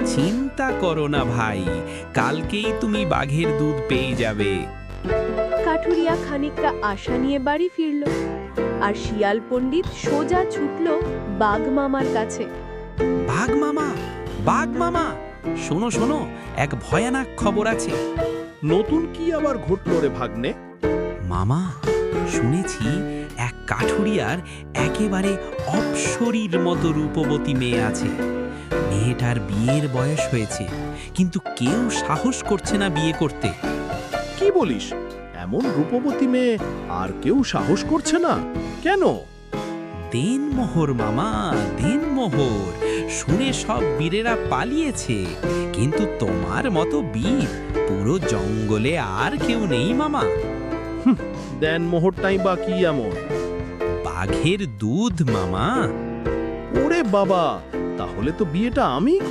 চিন্তা করো না ভাই, কালকেই তুমি বাঘের দুধ পেয়ে যাবে। কাঠুরিয়া খানিকটা আশা নিয়ে বাড়ি ফিরল, আর শিয়াল পণ্ডিত সোজা ছুটল বাঘ মামার কাছে। বাঘ মামা, বাঘ মামা, শোনো শোনো, এক ভয়ানক খবর আছে। নতুন কি আবার ঘটলো রে ভাগ্নে? মামা, শুনেছি এক কাঠুরিয়ার একেবারে অপ্সরীর মতো রূপবতী মেয়ে আছে। মেয়েটার বিয়ের বয়স হয়েছে, কিন্তু কেউ সাহস করছে না বিয়ে করতে। কি বলিস? এমন রূপবতী মেয়ে আর কেউ সাহস করছে না কেন? দেনমোহর মামা, দেনমোহর। শুনে সব বীরেরা পালিয়েছে, কিন্তু তোমার মতো বীর পুরো জঙ্গলে আর কেউ নেই মামা। দেন মোহরটাই বা কি এমন? বাঘের দুধ মামা। ওরে বাবা, তাহলে তো বিয়েটা আমিই